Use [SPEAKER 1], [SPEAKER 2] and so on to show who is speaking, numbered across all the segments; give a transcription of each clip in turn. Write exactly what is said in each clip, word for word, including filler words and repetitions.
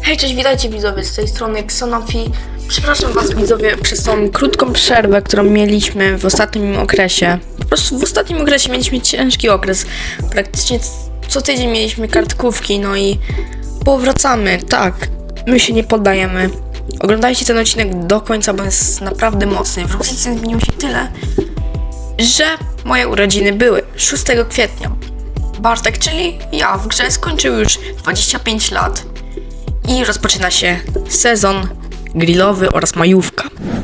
[SPEAKER 1] Hej, cześć, witajcie widzowie, z tej strony Xonofi. Przepraszam was widzowie przez tą krótką przerwę, którą mieliśmy w ostatnim okresie. Po prostu w ostatnim okresie mieliśmy ciężki okres. Praktycznie co tydzień mieliśmy kartkówki, no i powracamy, tak, my się nie poddajemy. Oglądajcie ten odcinek do końca, bo jest naprawdę mocny. W różnicy zmieniło się tyle, że moje urodziny były szóstego kwietnia. Bartek, czyli ja, w grze skończył już dwadzieścia pięć lat. I rozpoczyna się sezon grillowy oraz majówka.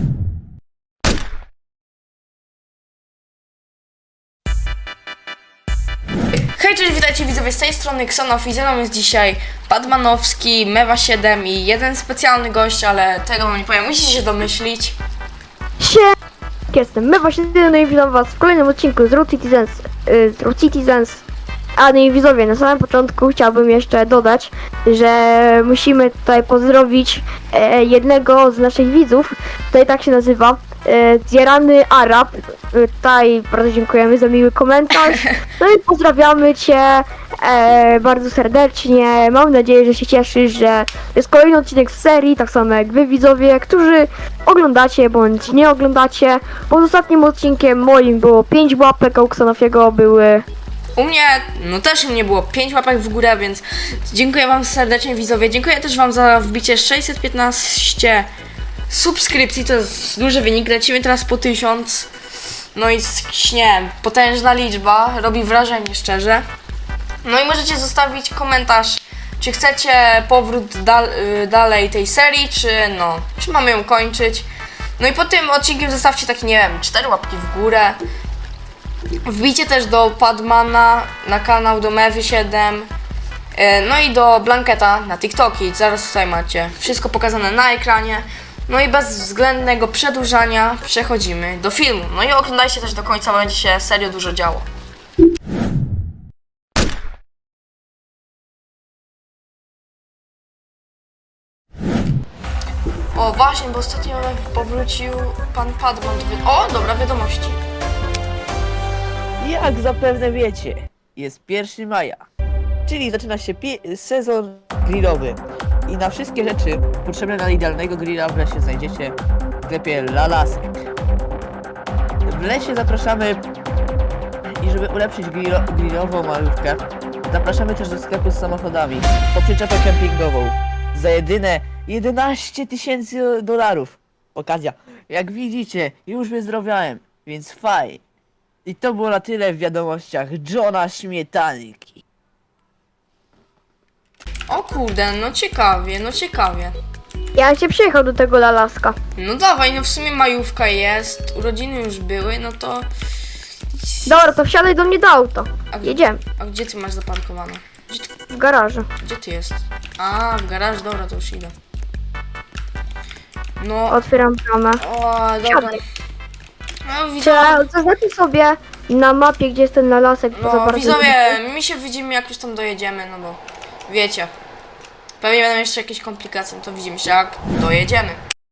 [SPEAKER 1] Hej, cześć, witajcie widzowie, z tej strony Xonofi. Ze mną jest dzisiaj Padmanowski, Mewa siedem i jeden specjalny gość, ale tego wam nie powiem, musicie się domyślić.
[SPEAKER 2] Siema, jestem Mewa siedem i witam was w kolejnym odcinku z Road Citizens, yy, z Road Citizens. A no i widzowie, na samym początku chciałbym jeszcze dodać, że musimy tutaj pozdrowić e, jednego z naszych widzów, tutaj tak się nazywa, e, Zjarany Arab. E, tutaj bardzo dziękujemy za miły komentarz. No i pozdrawiamy cię e, bardzo serdecznie. Mam nadzieję, że się cieszysz, że jest kolejny odcinek z serii, tak samo jak wy widzowie, którzy oglądacie bądź nie oglądacie. Pod ostatnim odcinkiem moim było pięć łapek, a u Xonofiego były...
[SPEAKER 1] U mnie, no też u mnie było pięć łapek w górę, więc dziękuję wam serdecznie widzowie. Dziękuję też wam za wbicie sześćset piętnaście subskrypcji, to jest duży wynik. Lecimy teraz po tysiąc. No i nie wiem, potężna liczba, robi wrażenie szczerze. No i możecie zostawić komentarz, czy chcecie powrót dal, y, dalej tej serii, czy no, czy mamy ją kończyć. No i po tym odcinkiem zostawcie takie, nie wiem, cztery łapki w górę. Wbijcie też do Padmana na kanał, do Mewy siedem, no i do Blanketa na TikToki. Zaraz tutaj macie wszystko pokazane na ekranie. No i bez względnego przedłużania przechodzimy do filmu. No i oglądajcie też do końca, bo będzie się serio dużo działo. O właśnie, bo ostatnio powrócił pan Padman. O, dobra, wiadomości.
[SPEAKER 3] Jak zapewne wiecie, jest pierwszego maja, czyli zaczyna się sezon grillowy i na wszystkie rzeczy potrzebne na idealnego grilla w lesie znajdziecie w sklepie Lalasek. W lesie zapraszamy i żeby ulepszyć grillo grillową malówkę, zapraszamy też do sklepu z samochodami po przyczepę kempingową za jedyne jedenaście tysięcy dolarów. Okazja, jak widzicie, już wyzdrowiałem, więc fajnie. I to było na tyle w wiadomościach Johna Śmietanki.
[SPEAKER 1] O kurde, no ciekawie, no ciekawie.
[SPEAKER 2] Ja cię przyjechał do tego Lalaska.
[SPEAKER 1] No dawaj, no w sumie majówka jest, urodziny już były, no to...
[SPEAKER 2] Dobra, to wsiadaj do mnie do auta.
[SPEAKER 1] A,
[SPEAKER 2] Jedziemy.
[SPEAKER 1] A gdzie ty masz zaparkowane? Gdzie ty,
[SPEAKER 2] W garażu.
[SPEAKER 1] gdzie ty jest? A, w garaż, dobra, to już idę. No,
[SPEAKER 2] Otwieram bramę.
[SPEAKER 1] o, dobra.
[SPEAKER 2] Siadaj.
[SPEAKER 1] No widzowie,
[SPEAKER 2] Czy zaznaczmy sobie na mapie, gdzie jest ten Lalasek. bo za
[SPEAKER 1] no
[SPEAKER 2] bardzo-
[SPEAKER 1] widzowie, mi się widzimy jak już tam dojedziemy, no bo wiecie. Pewnie będą jeszcze jakieś komplikacje, no to widzimy się jak dojedziemy.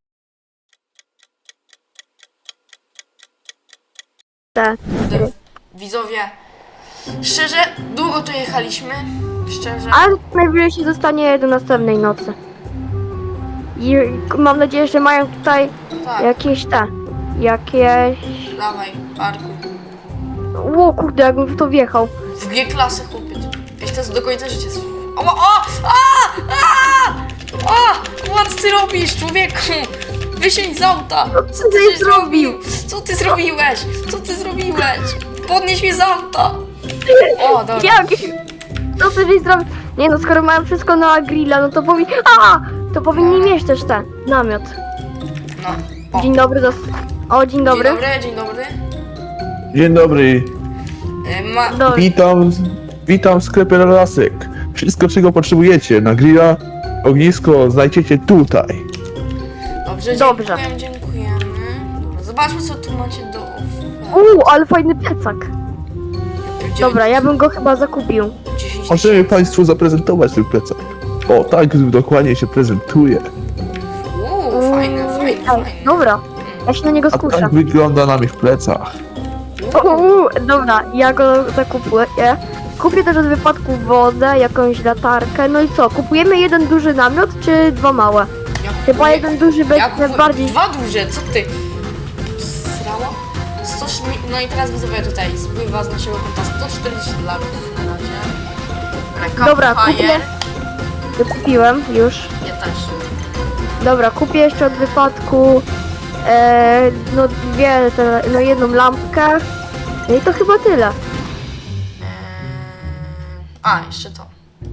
[SPEAKER 2] Te.
[SPEAKER 1] Widzowie, szczerze, długo tu jechaliśmy, szczerze.
[SPEAKER 2] Ale najwyżej się dostanie do następnej nocy. I mam nadzieję, że mają tutaj
[SPEAKER 1] Tak,
[SPEAKER 2] jakieś te. Jakieś...
[SPEAKER 1] dawaj, parkuj.
[SPEAKER 2] Ło kurde, jakbym w to wjechał.
[SPEAKER 1] W G-klasę chłopie, ja to jest do końca życia swoje. O, o, a, a, a, what ty robisz, człowieku? Wysiądź z auta. Co ty
[SPEAKER 2] ty
[SPEAKER 1] zrobił? Co ty zrobiłeś? Co ty zrobiłeś? Podnieś mnie z auta. O, dobra.
[SPEAKER 2] Jak? Co ty żeś zrobił? Nie no, skoro mają wszystko na grilla, no to powinni... A! To powinni mieć też ten namiot.
[SPEAKER 1] No. O.
[SPEAKER 2] Dzień dobry, dos... O, dzień dobry.
[SPEAKER 1] Dzień dobry, dzień dobry.
[SPEAKER 4] Dzień dobry,
[SPEAKER 1] E, Ma...
[SPEAKER 2] Dobry.
[SPEAKER 4] witam, witam w sklepie Lalasek. Wszystko czego potrzebujecie na grilla, ognisko znajdziecie tutaj.
[SPEAKER 1] Dobrze,
[SPEAKER 2] Dobrze.
[SPEAKER 1] dziękujemy, dziękujemy. Dobra, zobaczmy co tu macie do oferty.
[SPEAKER 2] Uuu, ale fajny plecak.
[SPEAKER 1] Dziewięć-
[SPEAKER 2] Dobra, ja bym go chyba zakupił.
[SPEAKER 1] dziesięć
[SPEAKER 4] Możemy
[SPEAKER 1] tysięcy.
[SPEAKER 4] Państwu zaprezentować ten plecak. O, tak dokładnie się prezentuje.
[SPEAKER 1] Uuu, fajny, fajny,
[SPEAKER 2] Ej,
[SPEAKER 1] fajny.
[SPEAKER 2] dobra, ja się na niego
[SPEAKER 4] A
[SPEAKER 2] skuszę.
[SPEAKER 4] tak wygląda na moich plecach.
[SPEAKER 2] Uuu, dobra, ja go zakupuję. Kupię też od wypadku wodę, jakąś latarkę. No i co? Kupujemy jeden duży namiot, czy dwa małe?
[SPEAKER 1] Ja
[SPEAKER 2] Chyba
[SPEAKER 1] kupuję-
[SPEAKER 2] jeden duży
[SPEAKER 1] ja
[SPEAKER 2] będzie
[SPEAKER 1] kupuję
[SPEAKER 2] bardziej...
[SPEAKER 1] Dwa duże, co ty? Srało? sto, no i teraz widzowie tutaj spływa z naszego konta sto czterdzieści dolarów na razie.
[SPEAKER 2] Dobra,
[SPEAKER 1] Campfire.
[SPEAKER 2] kupię. Kupiłem już.
[SPEAKER 1] Ja też.
[SPEAKER 2] Dobra, kupię jeszcze od wypadku e, no dwie, te, no jedną lampkę. No i to chyba tyle.
[SPEAKER 1] Eee, A, jeszcze to.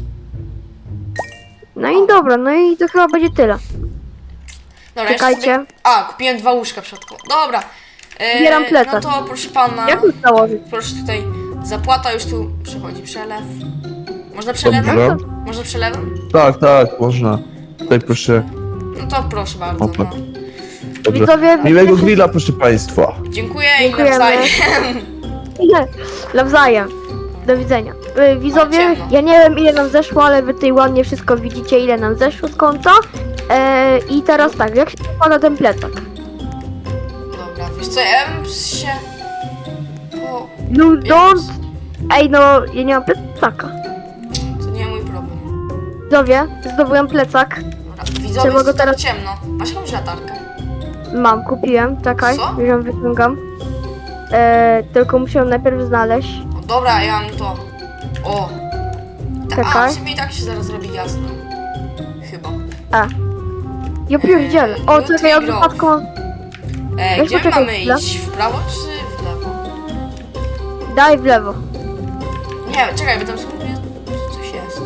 [SPEAKER 2] No i dobra, no i to chyba będzie tyle.
[SPEAKER 1] Dobra, jeszcze
[SPEAKER 2] Czekajcie.
[SPEAKER 1] Sobie... A, kupiłem dwa łóżka w środku. Dobra. Eee,
[SPEAKER 2] Zbieram plecak.
[SPEAKER 1] No to proszę pana.
[SPEAKER 2] Jak to założyć?
[SPEAKER 1] Proszę tutaj. Zapłata już tu przychodzi. Przelew. Można przelewem?
[SPEAKER 4] Dobrze.
[SPEAKER 1] Można przelewem?
[SPEAKER 4] Tak, tak, można. Tutaj proszę.
[SPEAKER 1] No to proszę bardzo.
[SPEAKER 4] Opa.
[SPEAKER 1] No.
[SPEAKER 4] Dobrze.
[SPEAKER 2] Widzowie,
[SPEAKER 4] Miłego
[SPEAKER 2] wiecie-
[SPEAKER 4] grilla, proszę państwa.
[SPEAKER 1] Dziękuję i
[SPEAKER 2] Dziękujemy.
[SPEAKER 1] nawzajem.
[SPEAKER 2] Ile? Nawzajem. Do widzenia. Y, Widzowie,
[SPEAKER 1] ciemno.
[SPEAKER 2] ja nie wiem ile nam zeszło, ale wy tutaj ładnie wszystko widzicie, ile nam zeszło z konta. E, I teraz tak, jak się składa ten plecak?
[SPEAKER 1] Dobra, wiesz co, ja bym się... O,
[SPEAKER 2] No don't... Ej no, ja nie mam plecaka.
[SPEAKER 1] to nie mój problem.
[SPEAKER 2] Widzowie, zdobyłem plecak.
[SPEAKER 1] Dobra,
[SPEAKER 2] Trzeba
[SPEAKER 1] widzowie,
[SPEAKER 2] go
[SPEAKER 1] jest teraz
[SPEAKER 2] teraz-
[SPEAKER 1] ciemno. Masz jakąś latarkę?
[SPEAKER 2] Mam, kupiłem, czekaj,
[SPEAKER 1] Co?
[SPEAKER 2] już ją wyciągam. E, tylko muszę ją najpierw znaleźć.
[SPEAKER 1] O, dobra, ja mam to. O! Ta, a,
[SPEAKER 2] Czekaj.
[SPEAKER 1] w sumie i tak się zaraz robi jasno. Chyba.
[SPEAKER 2] A. Ja pierdzielę. O,
[SPEAKER 1] Jutro
[SPEAKER 2] czekaj, od
[SPEAKER 1] grok.
[SPEAKER 2] wypadku...
[SPEAKER 1] E,
[SPEAKER 2] Weź
[SPEAKER 1] gdzie my
[SPEAKER 2] poczekaj
[SPEAKER 1] mamy
[SPEAKER 2] chwilę.
[SPEAKER 1] iść? W prawo czy w lewo?
[SPEAKER 2] Daj w lewo.
[SPEAKER 1] Nie, czekaj, bo tam spróbuję... Coś jest.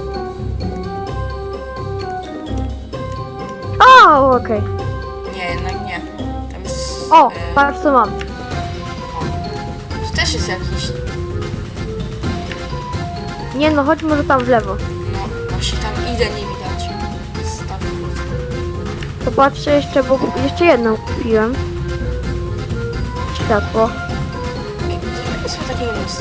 [SPEAKER 2] O, okej.
[SPEAKER 1] Nie, jednak nie. Tam jest...
[SPEAKER 2] O,
[SPEAKER 1] e,
[SPEAKER 2] patrz co mam.
[SPEAKER 1] tu też jest jakiś...
[SPEAKER 2] Nie no, chodź może tam w lewo.
[SPEAKER 1] No, właśnie tam idę, nie widać. Staw.
[SPEAKER 2] To patrzę jeszcze, bo jeszcze jedną kupiłem. Światło.
[SPEAKER 1] Jakie są takie miejsca?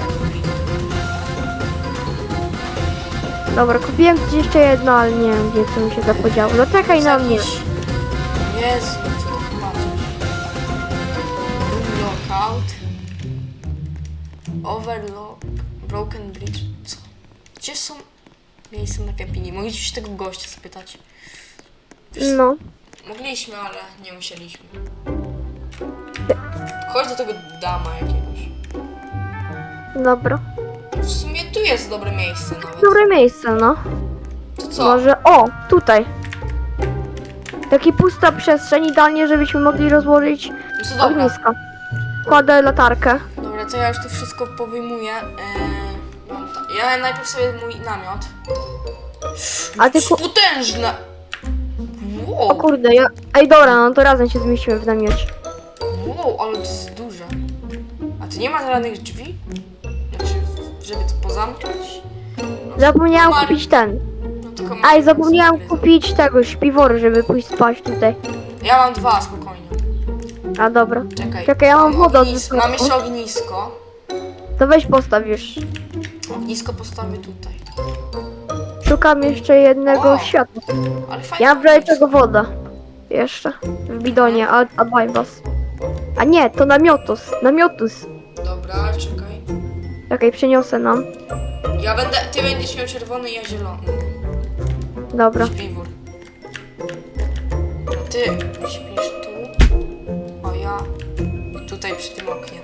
[SPEAKER 2] Dobra, kupiłem gdzieś jeszcze jedno, ale nie wiem gdzie to mi się zapodziało. No czekaj na mnie.
[SPEAKER 1] Jezu, co to patrzysz? Room lockout. Overlock. Broken bridge. Co? Gdzie są miejsca na kapinie? Mogliśmy się tego gościa spytać. Wiesz,
[SPEAKER 2] No.
[SPEAKER 1] mogliśmy, ale nie musieliśmy. Chodź do tego dama jakiegoś.
[SPEAKER 2] Dobra.
[SPEAKER 1] W sumie tu jest dobre miejsce nawet.
[SPEAKER 2] Dobre miejsce, no.
[SPEAKER 1] To co?
[SPEAKER 2] Może... O, tutaj. Taki pusta przestrzeń, idealnie żebyśmy mogli rozłożyć
[SPEAKER 1] No to dobra.
[SPEAKER 2] ognisko. Kładę latarkę.
[SPEAKER 1] Dobra, to ja już to wszystko powyjmuję. Eee, mam to. Ja najpierw sobie mój namiot.
[SPEAKER 2] A ty ku...
[SPEAKER 1] Potężne!
[SPEAKER 2] O
[SPEAKER 1] Wow,
[SPEAKER 2] kurde, ja... Ej dobra, no to razem się zmieścimy w namiocie.
[SPEAKER 1] wow, ale to jest duże. A tu nie ma żadnych drzwi? Znaczy, żeby to pozamknąć?
[SPEAKER 2] Zapomniałam
[SPEAKER 1] Mar-
[SPEAKER 2] kupić ten.
[SPEAKER 1] No tylko
[SPEAKER 2] Aj,
[SPEAKER 1] mam
[SPEAKER 2] zapomniałam
[SPEAKER 1] sobie-
[SPEAKER 2] kupić tego śpiworu, żeby pójść spać tutaj.
[SPEAKER 1] Ja mam dwa, spokojnie.
[SPEAKER 2] A dobra.
[SPEAKER 1] Czekaj.
[SPEAKER 2] Czekaj, ja mam wodę od
[SPEAKER 1] ognisko.
[SPEAKER 2] wysoku.
[SPEAKER 1] Mam jeszcze ognisko.
[SPEAKER 2] To weź postaw już.
[SPEAKER 1] Ognisko postawię tutaj.
[SPEAKER 2] Szukam jeszcze jednego
[SPEAKER 1] O!
[SPEAKER 2] światła.
[SPEAKER 1] Ale fajnie.
[SPEAKER 2] Ja mam wczoraj tego woda. Jeszcze. W bidonie, a, a bajbas. A nie, to namiotus. Namiotus.
[SPEAKER 1] Dobra, czekaj.
[SPEAKER 2] Czekaj, przyniosę nam.
[SPEAKER 1] Ja będę, ty będziesz miał czerwony, ja zielony.
[SPEAKER 2] Dobra.
[SPEAKER 1] Śpiwór. Ty śpisz tu, a ja tutaj przy tym oknie.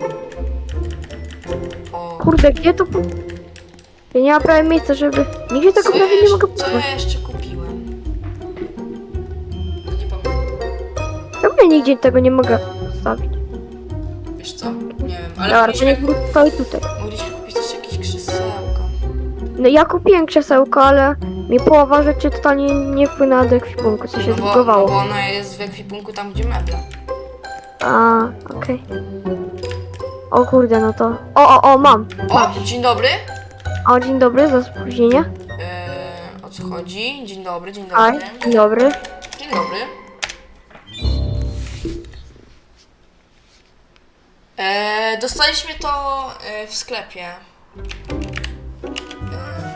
[SPEAKER 1] O.
[SPEAKER 2] Kurde, gdzie to... po- Ja nie mam prawie miejsca, żeby... Nigdzie tego
[SPEAKER 1] Co
[SPEAKER 2] prawie
[SPEAKER 1] ja
[SPEAKER 2] nie mogę
[SPEAKER 1] jeszcze- Co
[SPEAKER 2] postawić.
[SPEAKER 1] ja jeszcze kupiłem? Nie pamiętam.
[SPEAKER 2] Czemu ja nigdzie tego nie mogę postawić?
[SPEAKER 1] Wiesz co? Nie wiem, ale
[SPEAKER 2] Dobra, to
[SPEAKER 1] mogliśmy,
[SPEAKER 2] niech stoi tutaj.
[SPEAKER 1] mogliśmy kupić też jakieś krzesełka.
[SPEAKER 2] No ja kupiłem krzesełko, ale mi połowa rzeczy totalnie nie wpłynęła do ekwipunku, co się
[SPEAKER 1] No bo, no
[SPEAKER 2] zbugowało.
[SPEAKER 1] bo ona jest w ekwipunku tam, gdzie meble.
[SPEAKER 2] A, okej. O kurde, no to... O, o, o, mam.
[SPEAKER 1] O, dzień dobry.
[SPEAKER 2] O, dzień dobry, za spóźnienie.
[SPEAKER 1] Eee, o co chodzi? Dzień dobry, dzień
[SPEAKER 2] Aj,
[SPEAKER 1] dobry.
[SPEAKER 2] dzień dobry.
[SPEAKER 1] Dzień dobry. E, dostaliśmy to e, w sklepie. E,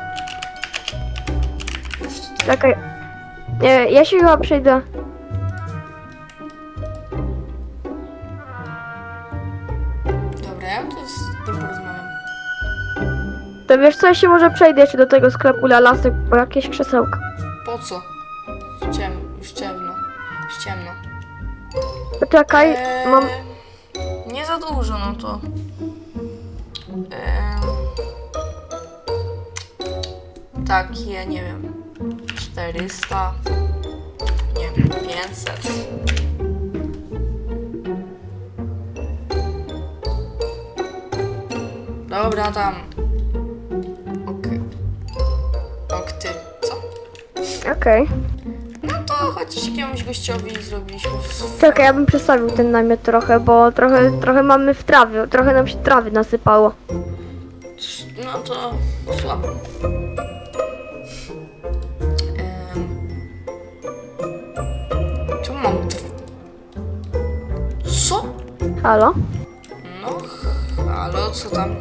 [SPEAKER 1] już tutaj.
[SPEAKER 2] Czekaj. E, ja się chyba przejdę.
[SPEAKER 1] Dobra, ja tu z tym porozmawiam.
[SPEAKER 2] To wy wiesz co, ja się może przejdę jeszcze do tego sklepu Lalasek po jakieś krzesełka.
[SPEAKER 1] Po co? Już ciemno, już ciemno, już ciemno.
[SPEAKER 2] Poczekaj,
[SPEAKER 1] Eee,
[SPEAKER 2] mam...
[SPEAKER 1] Nie za dużo, no to... Eee, takie, nie wiem, czterysta, nie wiem, pięćset. Dobra, tam. Ok. Ok, ty, co?
[SPEAKER 2] Okej.
[SPEAKER 1] No to chociaż jakiemuś gościowi zrobiliśmy w...
[SPEAKER 2] Czekaj, ja bym przestawił ten namiot trochę, bo trochę, trochę mamy w trawie, trochę nam się trawy nasypało.
[SPEAKER 1] No to słabo. Em, Czemu mam... dw- Co?
[SPEAKER 2] Halo?
[SPEAKER 1] No, halo, co tam?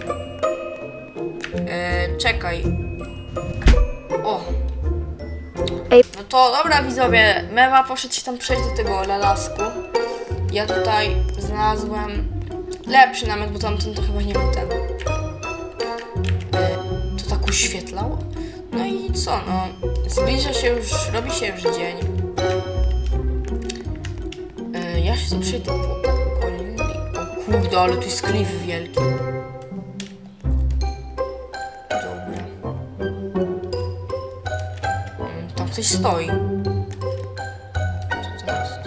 [SPEAKER 1] E, czekaj. O.
[SPEAKER 2] Ej.
[SPEAKER 1] No to dobra widzowie, Mewa poszedł się tam przejść do tego lalasku. Ja tutaj znalazłem lepszy namiot, bo tamten to chyba nie był ten. E, to tak uświetlało. No i co, no, zbliża się już, robi się już dzień. E, ja się tu przejdę po okolini. O kurde, ale tu jest klif wielki. Dobra. Mm, Tam coś stoi. Co to jest?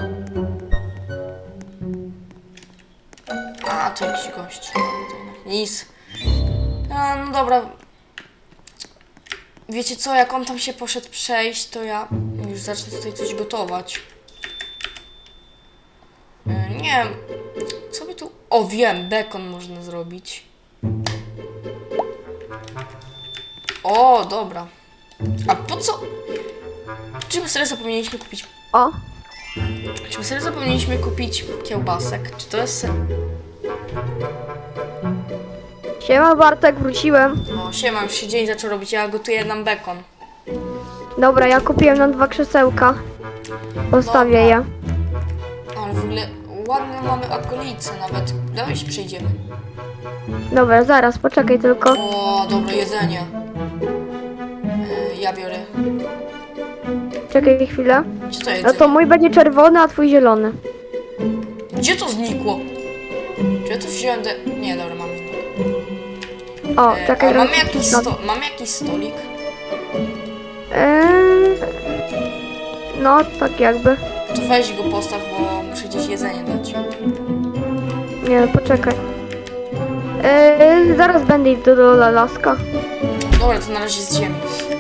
[SPEAKER 1] A, to jakiś gość. To jednak nic. A, no dobra. Wiecie co, jak on tam się poszedł przejść, to ja już zacznę tutaj coś gotować. E, Nie wiem, co by tu... O, wiem, bekon można zrobić. O, dobra. A po co? Czy my serio zapomnieliśmy kupić...
[SPEAKER 2] O,
[SPEAKER 1] Czy my serio zapomnieliśmy kupić kiełbasek? Czy to jest... se-
[SPEAKER 2] siema Bartek, wróciłem.
[SPEAKER 1] O, siema, już się dzień zaczął robić, ja gotuję nam bekon.
[SPEAKER 2] Dobra, ja kupiłem nam dwa krzesełka. Postawię je.
[SPEAKER 1] Ale w ogóle ładne mamy okolice nawet. Dawaj się przejdziemy.
[SPEAKER 2] Dobra, zaraz, poczekaj tylko.
[SPEAKER 1] O, dobre jedzenie. E, ja biorę.
[SPEAKER 2] Czekaj chwilę.
[SPEAKER 1] Gdzie to
[SPEAKER 2] No
[SPEAKER 1] jedzenie?
[SPEAKER 2] to mój będzie czerwony, a twój zielony.
[SPEAKER 1] Gdzie to znikło? Czy ja to wziąłem de... Nie, dobra, mamy znik.
[SPEAKER 2] O,
[SPEAKER 1] E,
[SPEAKER 2] czekaj.
[SPEAKER 1] a mamy
[SPEAKER 2] robię
[SPEAKER 1] jakiś,
[SPEAKER 2] stop.
[SPEAKER 1] sto... mamy jakiś stolik?
[SPEAKER 2] Eee, no, tak jakby.
[SPEAKER 1] To weź go postaw, bo muszę gdzieś jedzenie dać.
[SPEAKER 2] Nie, no, poczekaj. Eee, zaraz będę iść do, do Lalaska.
[SPEAKER 1] Dobra, to na razie z ziemi.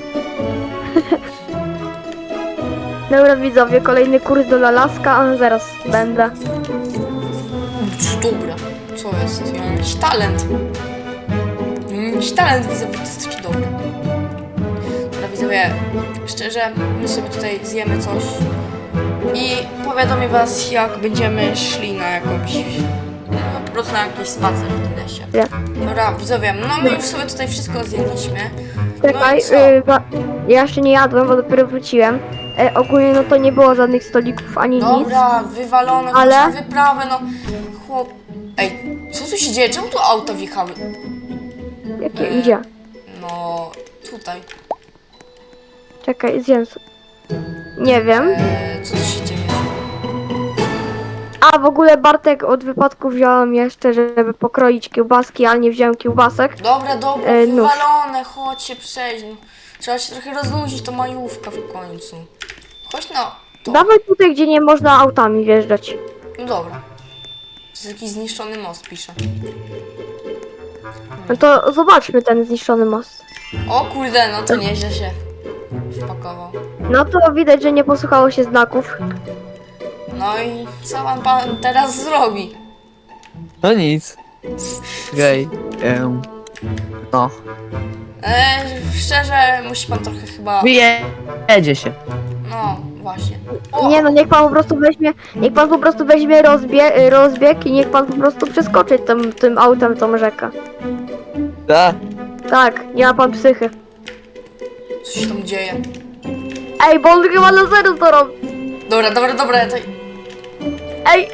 [SPEAKER 2] Dobra widzowie, kolejny kurs do Lalaska, a zaraz będę.
[SPEAKER 1] Dobra, co jest? Ja mam jakiś talent. Ja mam jakiś talent, widzowie, to jest taki dobry. Dobra, widzowie, szczerze, my sobie tutaj zjemy coś i powiadomię was, jak będziemy szli na jakąś, no, po prostu na jakiś spacer w tym lesie.
[SPEAKER 2] Nie.
[SPEAKER 1] Dobra, widzowie, no my już sobie tutaj wszystko zjedliśmy.
[SPEAKER 2] Czekaj,
[SPEAKER 1] No i co?
[SPEAKER 2] yy, ba- ja jeszcze nie jadłem, bo dopiero wróciłem. E, ogólnie no to nie było żadnych stolików ani nic.
[SPEAKER 1] Dobra, wywalone,
[SPEAKER 2] Ale-
[SPEAKER 1] ale... wyprawę, no chłop... Ej, co tu się dzieje? Czemu tu auta wjechały?
[SPEAKER 2] Jakie
[SPEAKER 1] e,
[SPEAKER 2] idzie?
[SPEAKER 1] No, tutaj.
[SPEAKER 2] Czekaj, zjem. s- Nie wiem.
[SPEAKER 1] E, co tu się dzieje?
[SPEAKER 2] A w ogóle Bartek od wypadku wziąłem jeszcze, żeby pokroić kiełbaski, ale nie wziąłem kiełbasek.
[SPEAKER 1] Dobra, dobra,
[SPEAKER 2] E, nóż.
[SPEAKER 1] wywalone, chodź się przejść. No. Trzeba się trochę rozluźnić, to majówka w końcu. Chodź no, to.
[SPEAKER 2] Dawaj tutaj, gdzie nie można autami wjeżdżać.
[SPEAKER 1] No dobra. To jest jakiś zniszczony most, pisze.
[SPEAKER 2] No to zobaczmy ten zniszczony most.
[SPEAKER 1] O kurde, no to nieźle się wpakował.
[SPEAKER 2] No to widać, że nie posłuchało się znaków.
[SPEAKER 1] No i co pan, pan teraz zrobi?
[SPEAKER 3] No nic. Gej. Um, no.
[SPEAKER 1] E, szczerze, musi pan trochę chyba...
[SPEAKER 3] Wyjedzie się.
[SPEAKER 1] No, właśnie. O,
[SPEAKER 2] Nie no, niech pan po prostu weźmie, niech pan po prostu weźmie rozbie, rozbieg i niech pan po prostu przeskoczy tym, tym autem tą rzekę.
[SPEAKER 3] Da.
[SPEAKER 2] Tak, nie ma pan psychy.
[SPEAKER 1] co się tam dzieje?
[SPEAKER 2] Ej, bo on chyba na zero to robi.
[SPEAKER 1] Dobra, dobra, dobra, to...
[SPEAKER 2] Ej,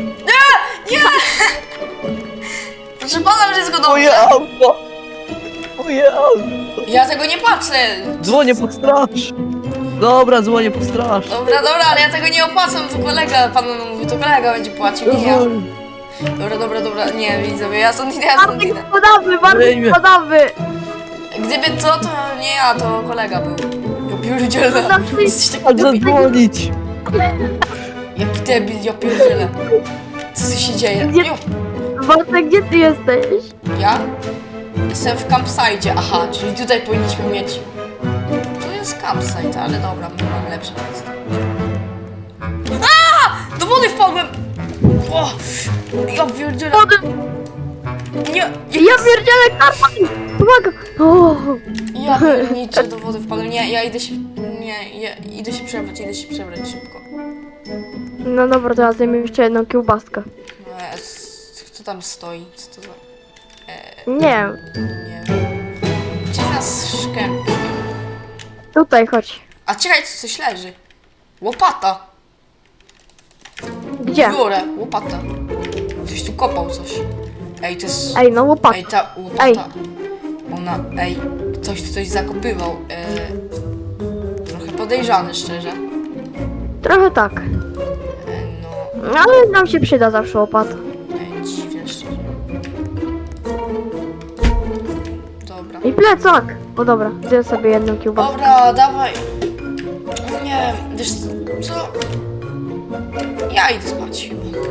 [SPEAKER 1] Proszę pana, wszystko dobrze.
[SPEAKER 3] Moje auto. O Jezu.
[SPEAKER 1] Ja tego nie patrzę!
[SPEAKER 3] Dzwonię po straż. Dobra, dzwonię po straż.
[SPEAKER 1] Dobra, dobra, ale ja tego nie opłacam, to kolega, pan mówi, to kolega będzie płacił, nie ja. Dobra, dobra, dobra, nie, widzowie, ja stąd idę, ja stąd idę.
[SPEAKER 2] Bartek spadamy, Bartek
[SPEAKER 3] Wyjmie.
[SPEAKER 2] spadamy!
[SPEAKER 1] Gdyby to, to nie ja, to kolega był. Ja pierdzielę.
[SPEAKER 2] Zawsze
[SPEAKER 1] Jesteś taki
[SPEAKER 3] A
[SPEAKER 1] debil.
[SPEAKER 3] zadzwonić.
[SPEAKER 1] Jaki debil, ja pierdzielę. Co tu się dzieje?
[SPEAKER 2] Gdzie-
[SPEAKER 1] Jo,
[SPEAKER 2] Bartek, gdzie ty jesteś?
[SPEAKER 1] ja? Jestem w campsite, aha, czyli tutaj powinniśmy mieć... To jest campsite, ale dobra, my mamy lepsze miejsce. A! Do wody wpadłem! O! Ja pierdzielę.
[SPEAKER 2] Wody!
[SPEAKER 1] Nie,
[SPEAKER 2] Ja pierdzielę, Karol! Pomagam! O,
[SPEAKER 1] ja pierniczę, do wody wpadłem. Nie, ja idę się... Nie, ja idę się przebrać, idę się przebrać szybko.
[SPEAKER 2] no dobra, teraz zajmę jeszcze jedną kiełbaskę.
[SPEAKER 1] No, jest- Kto tam stoi? Co to za...
[SPEAKER 2] Nie,
[SPEAKER 1] Nie wiem. Gdzie nas szkępie?
[SPEAKER 2] tutaj chodź.
[SPEAKER 1] A czekaj, tu coś leży. Łopata.
[SPEAKER 2] Gdzie?
[SPEAKER 1] Biorę, łopata. Ktoś tu kopał coś. Ej, to jest...
[SPEAKER 2] Ej, no łopak.
[SPEAKER 1] Ej, ta łopata.
[SPEAKER 2] Ej.
[SPEAKER 1] Ona... Ej, ktoś tu coś zakopywał. E... Trochę podejrzany, szczerze.
[SPEAKER 2] Trochę tak.
[SPEAKER 1] E, no...
[SPEAKER 2] No, ale nam się przyda zawsze łopata.
[SPEAKER 1] Ej, dziwne, szczerze. Dobra.
[SPEAKER 2] I plecak! O dobra, zjem sobie jedną kiełbaskę.
[SPEAKER 1] Dobra, dawaj. Nie, wiesz co? Ja idę spać chyba.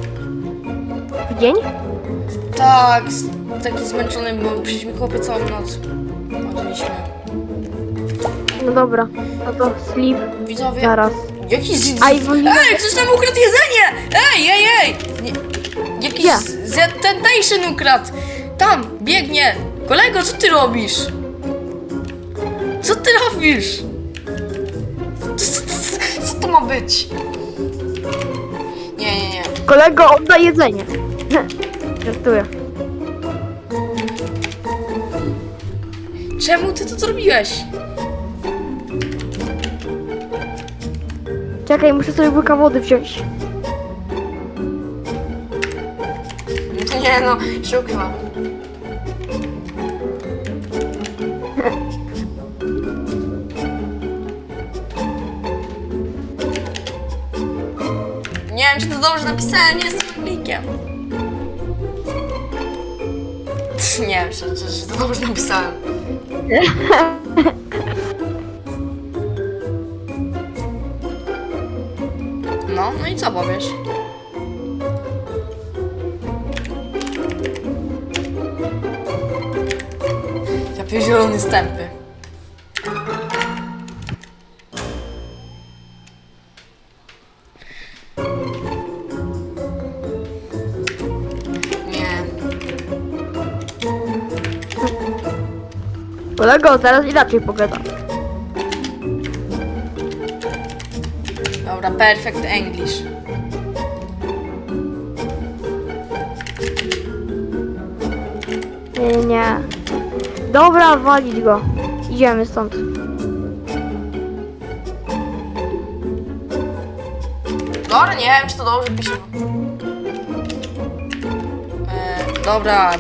[SPEAKER 2] W dzień?
[SPEAKER 1] Tak, s- taki zmęczony, bo przecież mi chłopie całą noc chodziliśmy.
[SPEAKER 2] No dobra, no to sleep
[SPEAKER 1] Widzowie,
[SPEAKER 2] zaraz.
[SPEAKER 1] jakiś z...
[SPEAKER 2] A i woli-
[SPEAKER 1] Ej, ktoś nam ukradł jedzenie! Ej, ej, ej! Nie, jakiś
[SPEAKER 2] Gdzie?
[SPEAKER 1] z Temptation ukradł! Tam, biegnie! Kolego, co ty robisz? Co ty robisz? Co, co, co to ma być? Nie, nie, nie.
[SPEAKER 2] Kolego, oddaj jedzenie. Żartuję.
[SPEAKER 1] Czemu ty to zrobiłeś?
[SPEAKER 2] Czekaj, muszę sobie łyka wody wziąć.
[SPEAKER 1] Nie no, się ukrywam. Nie wiem, czy to dobrze napisałem, nie jestem Anglikiem. Nie wiem, czy, czy, czy to dobrze napisałem. No, no i co powiesz? Ja pierdzielony stępy. Nie.
[SPEAKER 2] Kolego, zaraz inaczej pogadam.
[SPEAKER 1] Dobra, perfect English.
[SPEAKER 2] Nie, nie, nie. Dobra, walić go. Idziemy stąd.
[SPEAKER 1] Dobra, nie wiem, czy to dobrze pisze. E, dobra.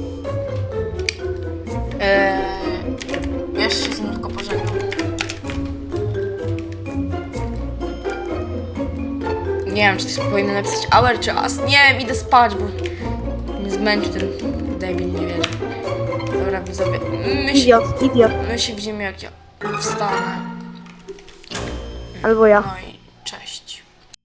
[SPEAKER 1] E, jeszcze się z nim tylko pożegnam. Nie wiem, czy to powinno napisać hour czy as. Nie wiem, idę spać, bo mnie zmęczył ten debil, nie wierzę. Dobra, widzowie. My się,
[SPEAKER 2] Idiot, idiot.
[SPEAKER 1] my się widzimy, jak ja wstanę.
[SPEAKER 2] Albo ja.
[SPEAKER 1] No i cześć.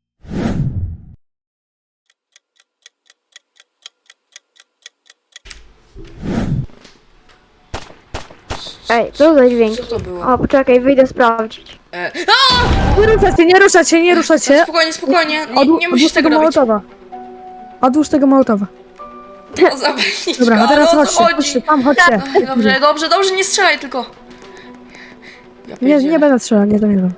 [SPEAKER 2] Ej, co za dźwięk?
[SPEAKER 1] Co to było?
[SPEAKER 2] O, poczekaj, wyjdę sprawdzić.
[SPEAKER 1] E, a!
[SPEAKER 5] Nie ruszać się, nie ruszać się, nie ruszać się.
[SPEAKER 1] Spokojnie, spokojnie, nie,
[SPEAKER 5] Odłó-
[SPEAKER 1] nie musisz
[SPEAKER 5] odłóż
[SPEAKER 1] tego
[SPEAKER 5] tego
[SPEAKER 1] robić.
[SPEAKER 5] Mołotowa. Odłóż tego Mołotowa.
[SPEAKER 1] O, zawodniczka,
[SPEAKER 5] Dobra, a teraz
[SPEAKER 1] ale o co
[SPEAKER 5] chodźcie,
[SPEAKER 1] chodzi?
[SPEAKER 5] chodźcie, tam chodźcie.
[SPEAKER 1] Oj, Dobrze, dobrze, dobrze, nie strzelaj tylko. Ja
[SPEAKER 5] Nie,
[SPEAKER 1] pierdzielę.
[SPEAKER 5] nie będę strzelał, nie zamierzam.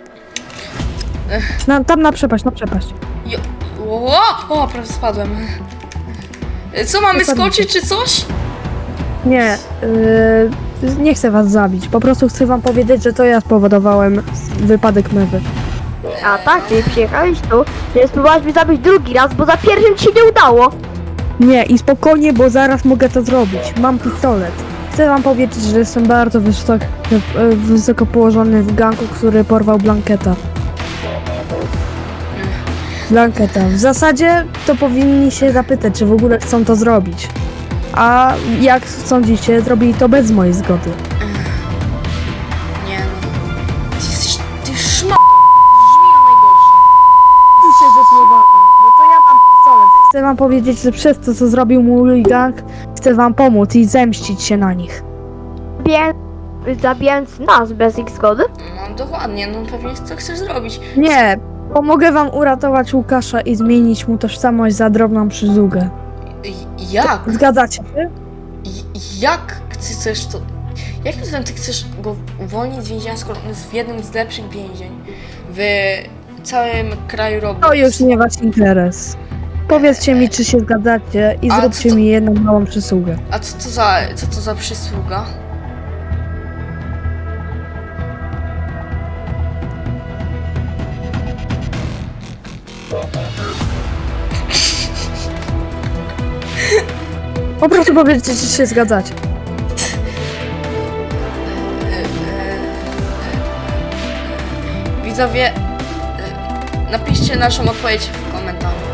[SPEAKER 5] Na, tam na przepaść, na przepaść.
[SPEAKER 1] Jo- O, o, prawie spadłem. E, Co, mamy
[SPEAKER 5] Dokładnie.
[SPEAKER 1] skoczyć czy coś?
[SPEAKER 5] Nie, yy, nie chcę was zabić. Po prostu chcę wam powiedzieć, że to ja spowodowałem wypadek mewy.
[SPEAKER 2] A tak, czyli przyjechałeś tu, żeby spróbować mnie zabić drugi raz, bo za pierwszym ci się nie udało.
[SPEAKER 5] Nie, i spokojnie, bo zaraz mogę to zrobić. Mam pistolet. Chcę wam powiedzieć, że jestem bardzo wysoko, wysoko położony w ganku, który porwał Blanketa. Blanketa. W zasadzie to powinni się zapytać, czy w ogóle chcą to zrobić. A jak sądzicie, zrobili to bez mojej zgody.
[SPEAKER 1] Nie no. Ty jesteś... Ty szma... Brzmi najgorsze.
[SPEAKER 5] Idźcie ze słowami, bo to ja mam pistolet. Chcę wam powiedzieć, że przez to, co zrobił mój gang, chcę wam pomóc i zemścić się na nich.
[SPEAKER 2] Zabijając, zabijając nas bez ich zgody?
[SPEAKER 1] No dokładnie, no pewnie co chcesz zrobić.
[SPEAKER 5] Nie, pomogę wam uratować Łukasza i zmienić mu tożsamość za drobną przysługę.
[SPEAKER 1] J- Jak?
[SPEAKER 5] Zgadzacie się?
[SPEAKER 1] J- Jak chcesz to... Jakim cudem ty chcesz go uwolnić z więzienia, skoro on jest w jednym z lepszych więzień w całym kraju Roblox?
[SPEAKER 5] To już nie wasz interes. Powiedzcie mi, czy się zgadzacie i
[SPEAKER 1] A
[SPEAKER 5] zróbcie
[SPEAKER 1] co to-
[SPEAKER 5] mi jedną małą przysługę.
[SPEAKER 1] A co to za, co to za przysługa?
[SPEAKER 5] Po prostu powiedzcie, czy się zgadzacie.
[SPEAKER 1] Widzowie, e, napiszcie naszą odpowiedź w komentarzu.